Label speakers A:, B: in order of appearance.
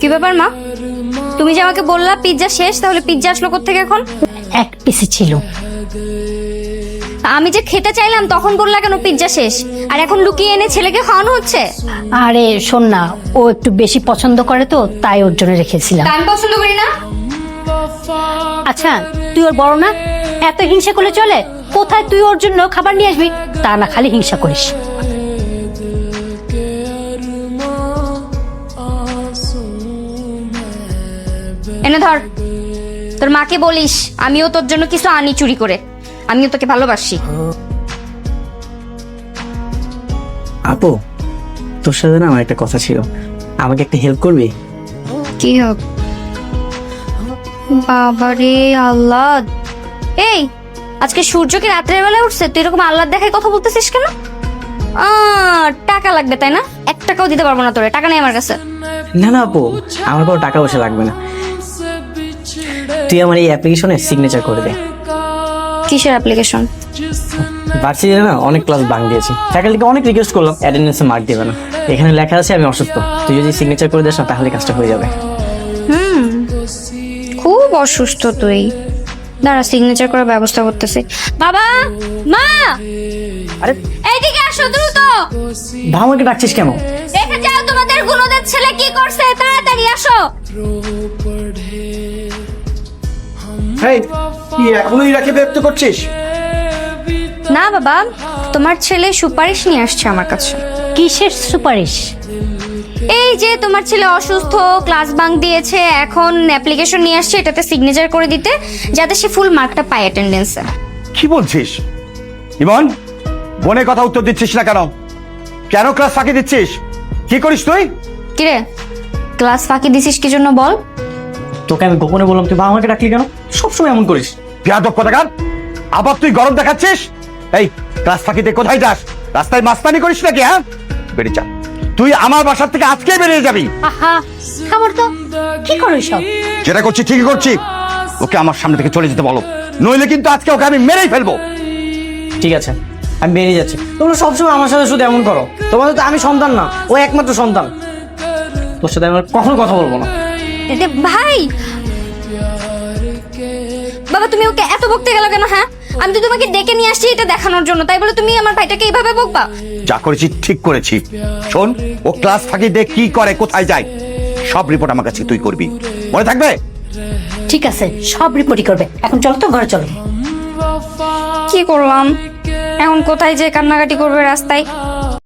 A: ব্যাপার মা, তুমি যে আমাকে বললা পিৎজা শেষ, তাহলে পিৎজা আসলো কোত্থেকে এখন?
B: এক পিসি ছিল।
A: আমি যে খেতে চাইলাম তখন বললা কেন পিৎজা শেষ, আর এখন লুকিয়ে এনে ছেলেকে খাওয়ানো হচ্ছে?
B: আরে শোন না, ও একটু বেশি পছন্দ করে তো, তাই ওর জন্য রেখেছিলাম।
A: আমি পছন্দ করি না।
B: আচ্ছা তুই ওর বড় না, এত হিংসা করলে চলে? কোথায় তুই ওর জন্য খাবার নিয়ে আসবি, তা না খালি হিংসা করিস।
A: এনে ধর, তোর মাকে বলিস আমিও তোর জন্য কিছু আনি চুরি করে, আমিও তোকে ভালোবাসি।
C: আপু, তোর সাথে না আমার একটা কথা ছিল, আমাকে একটা হেল্প করবি?
A: কি হোক? বাবারে আল্লাহ, এই আজকে সূর্য কি রাত্রের বেলা উঠছে? তুই এরকম আল্লাহ দেখায় কথা বলতেছিস কেন? টাকা লাগবে তাই না? 1 টাকাও দিতে পারবো না তোরে, টাকা নেই আমার কাছে।
C: না না আপু, আমার কোনো টাকা পয়সা লাগবে না, তুই আমার এই অ্যাপ্লিকেশনে সিগনেচার করে দে।
A: কিসের অ্যাপ্লিকেশন?
C: ভার্সিটিতে না অনেক ক্লাস বাং দিয়েছি, ফ্যাকাল্টিকে অনেক রিকোয়েস্ট করলাম, অ্যাটেন্ডেন্সে মার্ক দেবে না। এখানে লেখা আছে আমি অসুস্থ, তুই যদি সিগনেচার করে দিস না তাহলে কাজটা হয়ে যাবে।
A: খুব অসুস্থ তুই, দাঁড়া সিগনেচার করার ব্যবস্থা করতেছি। বাবা, মা,
C: আরে
A: এইদিকে আসো দ্রুত।
C: ভামাকে ডাকছিস কেন?
A: দেখে যাও তোমাদের গুণদের ছেলে কি করছে, তাড়াতাড়ি আসো।
D: এই কি এখনো ইরাকে ব্যক্ত করছিস?
A: না বাবা, তোমার ছেলে সুপারিশ নিয়ে আসছে আমার কাছে।
B: কিসের সুপারিশ?
A: এই যে তোমার ছেলে অসুস্থ, ক্লাস বাঙ্ক দিয়েছে, এখন অ্যাপ্লিকেশন নিয়ে আসছে এটাতে সিগনেচার করে দিতে, যাতে সে ফুল মার্কটা পায় অ্যাটেন্ডেন্সে।
D: কি বলছিস ইমন? বোনের কথা উত্তর দিচ্ছিস না কেন? কেন ক্লাস ফাঁকি দিচ্ছিস? কি করিস তুই?
A: কিরে, ক্লাস ফাঁকি দিছিস কি জন্য বল?
C: তোকে আমি গোপনে বললাম, তুই ভামাকে ডাকলি কেন? সবসময় এমন করিস।
D: বেয়াদব কোথাকার! আবার তুই গরম দেখাচ্ছিস? এই ক্লাস ফাঁকিতে কোথায় যাস? রাস্তায় মাস্তানি করিস নাকি? হ্যাঁ, বেরিয়ে যা। তুই আমার বাসার থেকে আজকেই বেরিয়ে যাবি।
B: আহা খাবার তো, কি করো সব?
D: যেটা করছি ঠিকই করছি, ওকে আমার সামনে থেকে চলে যেতে বলো, নইলে কিন্তু আজকে ওকে আমি মেরেই ফেলবো।
C: ঠিক আছে, আমি বেরিয়ে যাচ্ছি। তোমরা সবসময় আমার সাথে শুধু এমন করো, তোমাদের তো আমি সন্তান না, ও একমাত্র সন্তান। তোর সাথে আমি আর কখনো কথা বলবো না।
A: ভাই, বাবা তুমি ওকে এত বকতে গেল কেন? হ্যাঁ, আমি তো তোমাকে ডেকে নিয়ে আসছি এটা দেখানোর জন্য, তাই বলে তুমি আমার ভাইটাকে এইভাবে বকবা?
D: যা করেছি ঠিক করেছি। শোন, ও ক্লাস ফাঁকি দিয়ে কি করে, কোথায় যায়, সব রিপোর্ট আমার কাছে তুই করবি, মনে থাকবে?
B: ঠিক আছে, সব রিপোর্টই করবে। এখন চলো তো ঘরে চলো।
A: কি করলাম এখন? কোথায় যে কান্নাকাটি করবে রাস্তায়?